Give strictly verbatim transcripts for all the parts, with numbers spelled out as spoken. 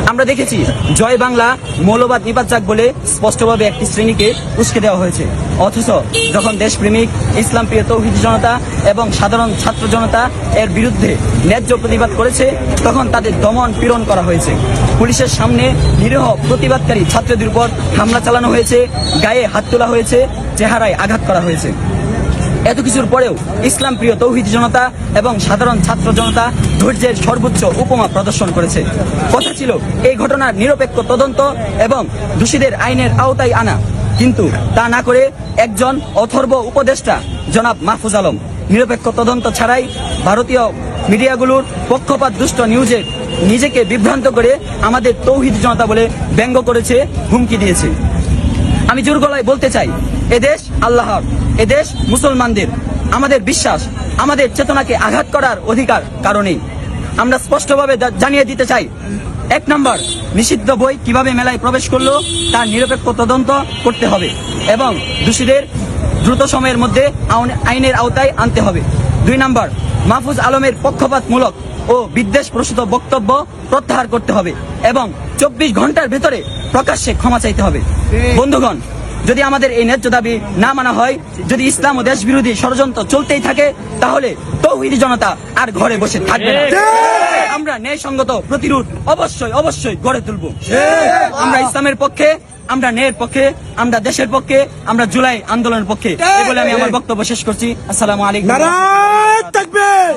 আমরা দেখেছি জয় বাংলা মৌলবাদ নিপাত বলে স্পষ্টভাবে একটি শ্রেণীকে উস্কে দেওয়া হয়েছে, অথচ যখন দেশপ্রেমিক ইসলাম প্রিয় তৌহিদি জনতা এবং সাধারণ ছাত্র জনতা এর বিরুদ্ধে ন্যায্য প্রতিবাদ করেছে তখন তাদের দমন পীড়ন করা হয়েছে। পুলিশের সামনে নিরীহ প্রতিবাদকারী ছাত্রদের উপর হামলা চালানো হয়েছে, গায়ে হাত তোলা হয়েছে, চেহারায় আঘাত করা হয়েছে। এত কিছুর পরেও ইসলাম প্রিয় তৌহিদি জনতা এবং সাধারণ ছাত্র জনতা ধৈর্যের সর্বোচ্চ উপমা প্রদর্শন করেছে। কথা ছিল এই ঘটনার নিরপেক্ষ তদন্ত এবং দোষীদের আইনের আওতায় আনা, কিন্তু তা না করে একজন অথর্ব উপদেষ্টা জনাব মাহফুজ আলম নিরপেক্ষ তদন্ত ছাড়াই ভারতীয় মিডিয়াগুলোর পক্ষপাত দুষ্ট নিউজে নিজেকে বিভ্রান্ত করে আমাদের তৌহিদি জনতা বলে ব্যঙ্গ করেছে, হুমকি দিয়েছে। আমি জোর গলায় বলতে চাই, এদেশ আল্লাহর, এদেশ মুসলমানদের। আমাদের বিশ্বাস, আমাদের চেতনাকে আঘাত করার অধিকার কারণেই আমরা স্পষ্টভাবে জানিয়ে দিতে চাই, এক নম্বর, নিষিদ্ধ বই কিভাবে মেলায় প্রবেশ করলো তার নিরপেক্ষ তদন্ত করতে হবে এবং দোষীদের দ্রুত সময়ের মধ্যে আইনের আওতায় আনতে হবে। দুই নম্বর, মাহফুজ আলমের পক্ষপাতমূলক ও বিদ্বেষ প্রসূত বক্তব্য প্রত্যাহার করতে হবে এবং চব্বিশ ঘন্টার ভেতরে প্রকাশ্যে ক্ষমা চাইতে হবে। বন্ধুগণ, যদি আমাদের এই ন্যায্য দাবি না মানা হয়, যদি ইসলাম ও দেশ বিরোধী ষড়যন্ত্র চলতেই থাকে, তাহলে তৌহিদি জনতা আর ঘরে বসে থাকবে না। আমরা ন্যায়সঙ্গত প্রতিরোধ অবশ্যই অবশ্যই গড়ে তুলব। আমরা ইসলামের পক্ষে, আমরা ন্যায়ের পক্ষে, আমরা দেশের পক্ষে, আমরা জুলাই আন্দোলনের পক্ষে। এই বলে আমি আমার বক্তব্য শেষ করছি। আসসালামু আলাইকুম। নারায়ে তাকবীর।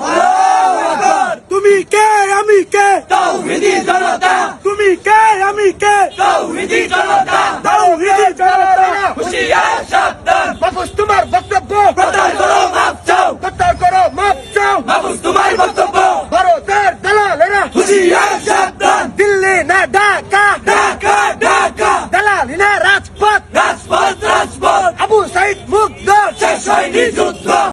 তুমি কে আমি কে? তৌহিদি জনতা। তুমি কে আমি কে? তৌহিদি জনতা। তৌহিদি জনতা। হুঁশিয়ার সাবধান। মাহফুজ তোমার বক্তব্য প্রত্যাহার করো, মাপ চাও। প্রত্যাহার করো, মাপ চাও। মাহফুজ তোমার বক্তব্য। ভারতের দালালেরা হুঁশিয়ার সাবধান। দিল্লি না ঢাকা, ঢাকা ঢাকা। দালালি না রাজপথ, রাজপথ রাজপথ। আবু সাইদ মুগ্ধ, শেষ হয়নি যুদ্ধ।